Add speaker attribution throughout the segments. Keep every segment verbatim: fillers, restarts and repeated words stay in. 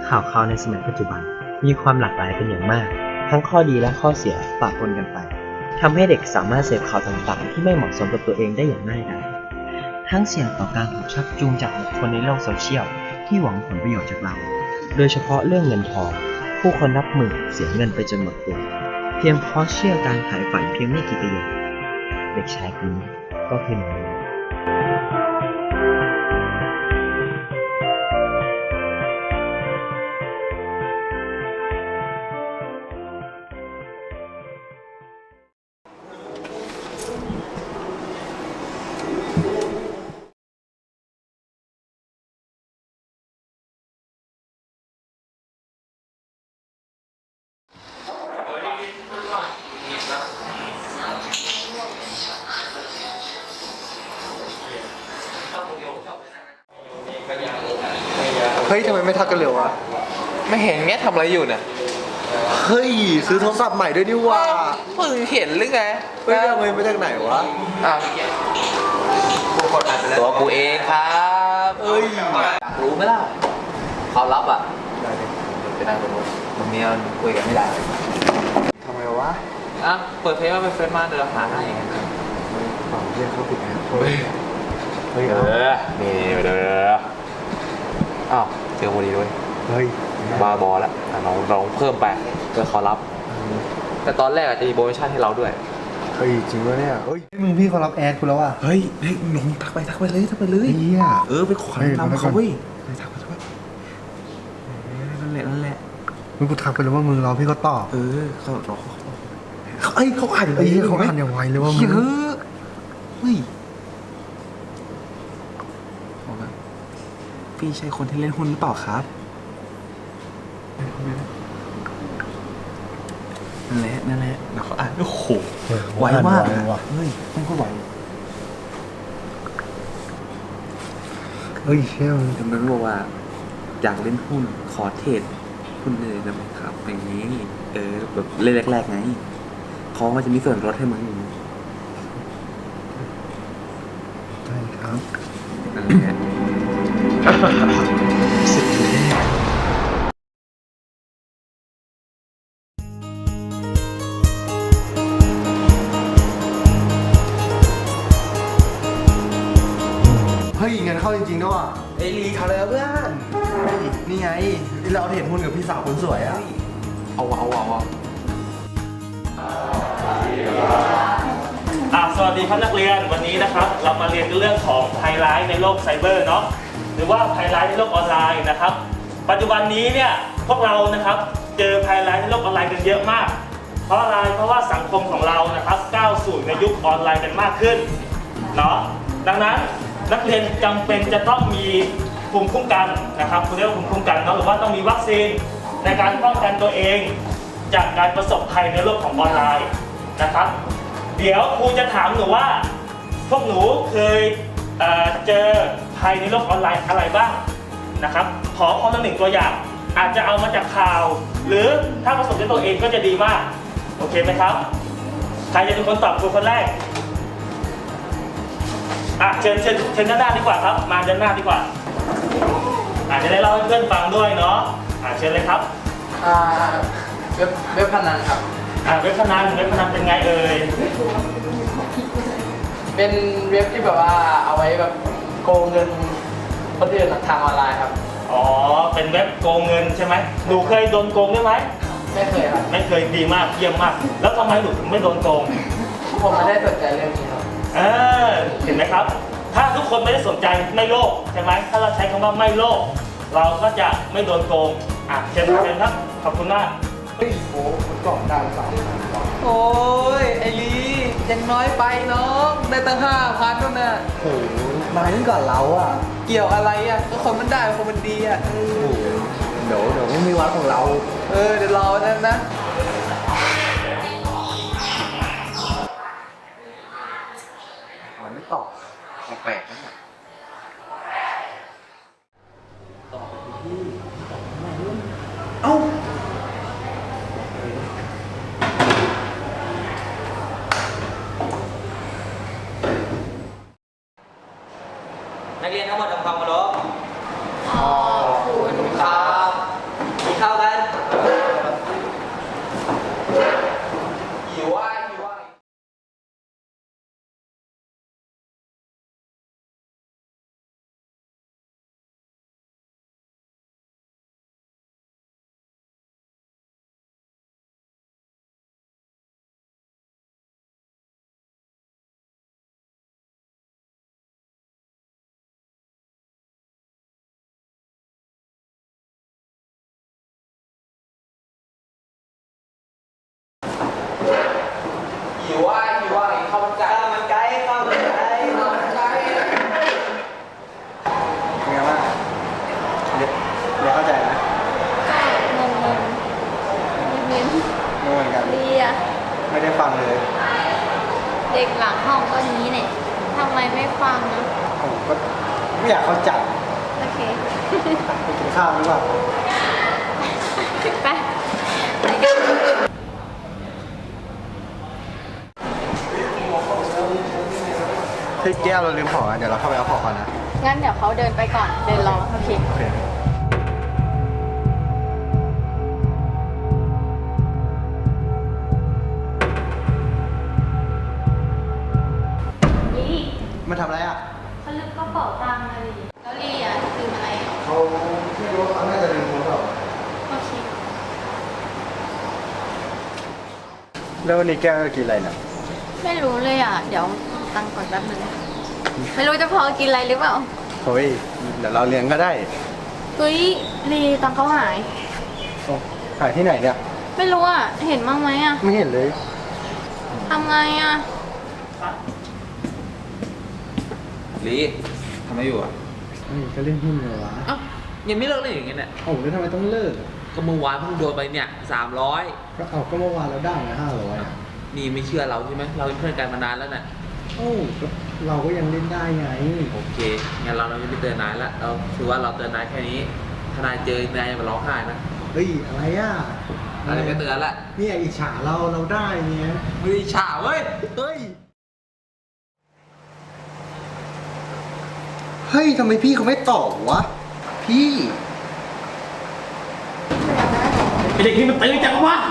Speaker 1: ข่าวคราวในสมัยปัจจุบันมีความหลากหลายเป็นอย่างมากทั้งข้อดีและข้อเสียปะปนกันไปทำให้เด็กสามารถเสพข่าวต่างๆที่ไม่เหมาะสมกับตัวเองได้อย่างง่ายดายทั้งเสี่ยงต่อการถูกชักจูงจากบุคคลในโลกโซเชียลที่หวังผลประโยชน์จากเราโดยเฉพาะเรื่องเงินทองผู้คนนับหมื่นเสียเงินไปจนหมดตัวเพียงเพราะเชื่อการขายฝันเพียงไม่กี่ประโยคเด็กชายคนนี้ก็คือหนึ่งในนั้น
Speaker 2: เฮ้ยทำไมไม่ทักกันเร็ววะ
Speaker 3: ไม่เห็นเงี้ยทำอะไรอยู่เนี่ย
Speaker 2: เฮ้ยซื้อโทรศัพท์ใหม่ด้วยนี่ว่า
Speaker 3: เพิ่งเห็นหรือไง
Speaker 2: เฮ้ยเอาเงินมาจากไหนวะ
Speaker 3: อ้าวตัวกูเองครับเอ้ยอยากรู้ไหมล่ะความลับอ่ะไปนั่งตรงนู้นตรงนี้คุยกันไม่ได้
Speaker 2: ทำไมวะ
Speaker 3: อ่ะเปิดเฟซมาเป็นเฟซมาเดี๋ยวเราหาให้
Speaker 2: ฝั่งเรียกเขาผิดนะ
Speaker 3: เฮ้ยเฮ้ยเออนี่เด้ออ้าวเจอพอดีด้วย
Speaker 2: เฮ้ย
Speaker 3: บาบอแล้วเราเราเพิ่มไปเพื่อเขารับแต่ตอนแรกอาจจะมีโปรโมชั่นให้เราด้วย
Speaker 2: เฮ้ยจริงวะเนี่ยเฮ้ยมึงพี่เขารับแอดกูแล้วว่ะ
Speaker 3: เฮ้ยเฮ้ยลงทักไปทักไปเลยทักไปเลย
Speaker 2: เฮีย
Speaker 3: เออไปขอทำเขาเว้ยทักไปทักไปนั่นแหละนั่นแหละ
Speaker 2: มึงกูทักไปแล้วว่ามึงรอพี่เขาตอบ
Speaker 3: เออเขารอเขาเอ้ยเขาอ่าน
Speaker 2: เฮ้ยเขาอ่านอย่างไวเลยว่ามึง
Speaker 3: เฮ้ยพี่ใช่คนที่เล่นหุ้นหรือเปล่าครับนั่นแหละนั่นแหละแล้วเขาอ่านโอ้โหไวมากเฮ้ยมันก็ไว
Speaker 2: เฮ้ยเชี่ย
Speaker 3: มันบอกว่าอยากเล่นหุ้นขอเทรดหุ้นเลยได้ไหมครับอย่างนี้เออแบบเล่นแรกๆไงเขาก็จะมีส่วนลดให้มึง
Speaker 2: ใช่ครับ
Speaker 3: นั่นแหละ
Speaker 1: สุดแน่
Speaker 2: เฮ้ยเงินเข้าจริงๆด้วย
Speaker 3: ไอ้ลีทำอะไรเพื่อน
Speaker 2: นี่ไงที่เราเห็นหุ้นกับพี่สาวคนสวยอะ
Speaker 3: เอาวะเอาวะเอาวะ
Speaker 4: อ่ะสวัสดีครับนักเรียนวันนี้นะครับเรามาเรียนเรื่องของภัยร้ายในโลกไซเบอร์เนาะหรือว่าภัยร้ายในโลกออนไลน์นะครับปัจจุบันนี้เนี่ยพวกเรานะครับเจอภัยร้ายในโลกออนไลน์กันเยอะมากเพราะอะไรเพราะว่าสังคมของเรานะครับก้าวสู่ในยุคออนไลน์กันมากขึ้นเนาะดังนั้นนักเรียนจำเป็นจะต้องมีภูมิคุ้มกันนะครับคุณเรียกว่าภูมิคุ้มกันเนาะหรือว่าต้องมีวัคซีนในการป้องกันตัวเองจากการประสบภัยในโลกของออนไลน์นะครับเดี๋ยวครูจะถามหนูว่าพวกหนูเคย เอ่อ เจอภัยในโลกออนไลน์อะไรบ้างนะครับขอคนละหนึ่งตัวอย่างอาจจะเอามาจากข่าวหรือถ้าประสบด้วยตัวเองก็จะดีมากโอเคไหมครับใครจะเป็นคนตอบครูคนแรกอ่ะเชิญเชิญเชิญด้านหน้าดีกว่าครับมาด้านหน้าดีกว่าอาจจะได้เล่าให้เพื่อนฟังด้วยเนาะอ่ะเชิญเลยครับ
Speaker 3: อ่าเว็บเว็บพนันครับ
Speaker 4: อ่าเว็บพนันเว็บพนันเป็นไงเอ่ย
Speaker 3: เป็นเว็บที่แบบว่าเอาไว้แบบโกงเงินคนอื่นทางออนไลน์ครับ
Speaker 4: อ๋อเป็นเว็บโกงเงินใช่ไหมหนูเคยโดนโกงได้ไหม
Speaker 3: ไม่เคยครับ
Speaker 4: ไม่เคยดีมากเยี่ยมมากแล้วทำไมหนูถึงไม่โดนโกง
Speaker 3: ผมไม่ได้สนใจเรื่องนี้ครับ
Speaker 4: เออเห็นไหมครับถ้าทุกคนไม่ได้สนใจไม่โลภใช่ไหมถ้าเราใช้คำว่าไม่โลภเราก็จะไม่โดนโกงอ่ะเชิญเชิญครับขอบคุณมาก
Speaker 2: เฮ้ยโอ้มันกล่องดาวสาม
Speaker 3: โอ้ยไอลียังน้อยไปน้องได้ตั้งห้าพันนู่นน่ะ
Speaker 2: โอ้มาตั้งก่อนเราอ่ะ
Speaker 3: เกี่ยวอะไรอ่ะก็คนมันได้คนมันดีอ่ะ
Speaker 2: เดี๋ยวเดี๋ยวไม่มีวัดของเรา
Speaker 3: เออเดี๋ยวรอนั่นนะ
Speaker 2: มันไม่ตอบแปลกๆนะ
Speaker 3: ตอบไปที่
Speaker 2: เอ้า
Speaker 3: นักเรียนทั้งหมดทำความเคารพขอบคุณครับ
Speaker 2: ไม่เข้าใจนะ
Speaker 5: ก็งงๆยิ้ม
Speaker 2: ไม่เหมือนกัน
Speaker 5: ๆดีอะ
Speaker 2: ไม่ได้ฟังเลย
Speaker 5: เด็กหลังห้องก็นี้เนี่ยทำไมไม่ฟังนะ
Speaker 2: ผมก็ไม่อยากเข้าใจ
Speaker 5: โอเค
Speaker 2: ไปกินข้าวดีกว่า
Speaker 5: ไปไปกัน
Speaker 2: เฮ้ยแก้วเราลืมของอ่ะเดี๋ยวเราเข้าไปเอาของก่อนนะ
Speaker 5: งั้นเดี๋ยวเขาเดินไปก่อน เดินรอ โอเค
Speaker 2: โอเค
Speaker 5: ลี่
Speaker 2: มาทำอะไรอ่ะ
Speaker 5: เขาลืมกระเป๋าตังค์เลยแล้วลี่อ่ะลืมอะไรอ่ะ
Speaker 2: เขาไม่รู้ว่าเขาน่าจะลืมโทรศัพท์
Speaker 5: โอเค
Speaker 2: แล้ววันนี้แก้วจะกินอะไรเนี่ย
Speaker 5: ไม่รู้เลยอ่ะ เดี๋ยวเอาตังค์ก่อนแป๊บนึง ไม่รู้จะพอกินอะไรหรือเปล่า
Speaker 2: เฮ้ยเดี๋ยวเราเลี้ยงก็ได้
Speaker 5: เฮ้ยลีตังค์เขาหาย
Speaker 2: โอ้ขายที่ไหนเนี่ย
Speaker 5: ไม่รู้อ่ะ เห็นบ้างไหมอ่ะ
Speaker 2: ไม่เห็นเลย
Speaker 5: ทำไงอ่ะ
Speaker 3: ลีทำอะไรอยู่อ่ะ
Speaker 2: เฮ้ยก็เล่นหุ้นเลยวะ
Speaker 3: เอ้ายังไม่เลิกเล่นอย่างเงี้ยเนี่ย
Speaker 2: โอ้แล้วทำไมต้องเลิก
Speaker 3: ก็เมื่อวานเพิ่งโดนไปเนี่ยสามร้อย
Speaker 2: ก็เอาก็เมื่อวานเราได้มาห้าร้อย
Speaker 3: นี่ไม่เชื่อเราใช่ไหมเราเป็นเพื่อนกันมานานแล้วน่ะ
Speaker 2: โอ้ก็เราก็ยังเล่นได้ไง
Speaker 3: โอเคงั้นเราเราจะไม่เตือนนายละเราถือว่าเราเตือนนายแค่นี้ถ้านายเจอนายอย่ามาร้องไห้นะ
Speaker 2: เฮ้ยอะไรอ่ะ
Speaker 3: อะไรไม่เตือนละ
Speaker 2: เนี่ยอิจฉาเราเราได้เนี่ย
Speaker 3: ไม่ได้ฉาเว้ย
Speaker 2: เฮ้ย เฮ้ยทำไมพี่เขาไม่ตอบวะ พี่
Speaker 4: ไอเด็กนี่มันตื่นจังวะ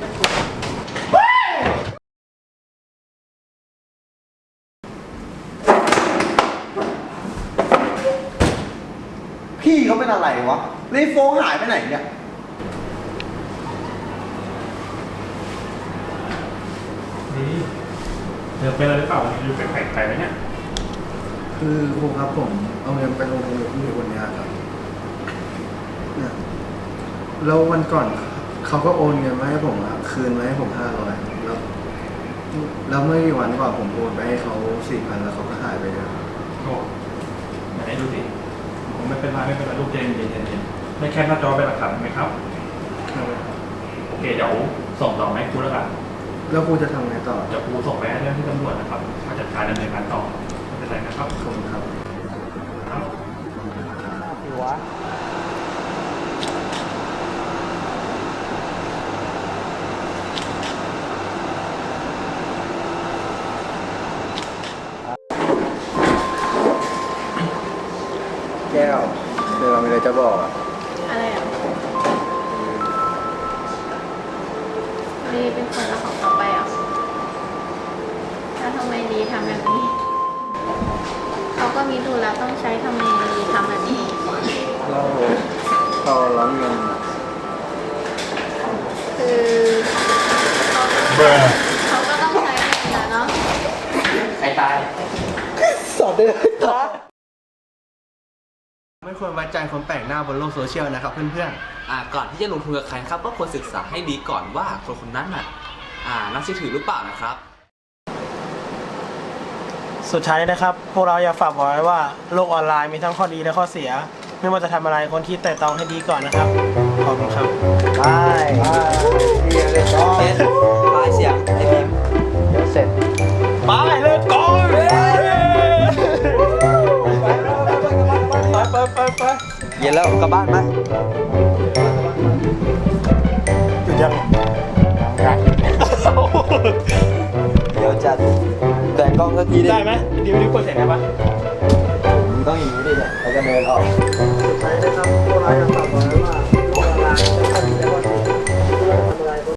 Speaker 2: พี่เขาเป็นอะไรวะเลยโฟงหายไปไหนเนี่ย
Speaker 6: นี่เธอเป็นอะไรหรือเปล่าวันนี้ดูแปลกๆไปไหมเนี่ย
Speaker 2: คือครูครับผมเอาเงินไปลงทุนกับพี่คนนี้ครับเนี่ยแล้ววันก่อนเขาก็โอนเงินมาให้ผมอะคืนมาให้ผมห้าร้อยแล้วแล้วเมื่อกี่วันก่อนผมโอนไปให้เขาสี่พันแล้วเขาก็หายไปเลย
Speaker 6: โอ้ไหนดูสิผมไม่เป็นไรไม่เป็นไรลูกเย็นเย็นเย็นเย็นไม่แค่หน้าจอเป็นหลักฐานไหมครับ โอเคเดี๋ยวส่งต่อให้ครูแล้วกัน
Speaker 2: แล้วครูจะทำไงต่อ
Speaker 6: เดี๋ยวครูส่งไปให้เรื่องที่ตำรวจนะครับมาจัดการดำเนินการต่อไม่เป็นไรนะครับ
Speaker 2: ขอบคุณครับ
Speaker 6: ครับ
Speaker 2: แก้วเดี๋ยวเรามีอะไรจะบอกอ่ะ
Speaker 5: อะไรอ่ะลีเป็นคนเอาของเขาไปอ่ะแล้วทำไมลีทำแบบนี้ เขาก็มีธุระต้องใช้ทำไมลีทำแบบนี้
Speaker 2: เราเราร้อนเงินอะ
Speaker 5: คือเขาเขาก็ต้องใช้เงินนะเนาะ
Speaker 4: ใครตาย
Speaker 2: สอบได้เลยต่อไม่ควรไว้ใจคนแปลกหน้าบนโลกโซเชียลนะครับเพื่อน
Speaker 3: อ่าก่อนที่จะลงทุนกับใครนะครับก็ควรศึกษาให้ดีก่อนว่าคนคนนั้นน่ะอ่าน่าเชื่อถือหรือเปล่านะครับ
Speaker 7: สุดท้ายนะครับ พวกเราอยากฝากบอกไว้ว่าโลกออนไลน์มีทั้งข้อดีและข้อเสีย ไม่ว่าจะทำอะไรคนที่แต่ตองให้ดีก่อนนะครับ ขอบคุณครับ
Speaker 2: ๆไปเรียนเลยต่อ
Speaker 3: เอ็นปลายเสียงไอ้บีม
Speaker 2: เดี๋ยวเสร็จ
Speaker 7: ไปเลิกก่อนไปไปไปไป
Speaker 3: เย็นแล้วกลับบ้านไหม
Speaker 7: หยุดยัง
Speaker 3: เดี๋ยวจัดแต่งกล้องสักที
Speaker 7: ได้ไหมดิวดิวเปิดเสียงได้ปะ
Speaker 2: ต้องอย่างนี้ดิเนี่ยแล้วก็เดินออก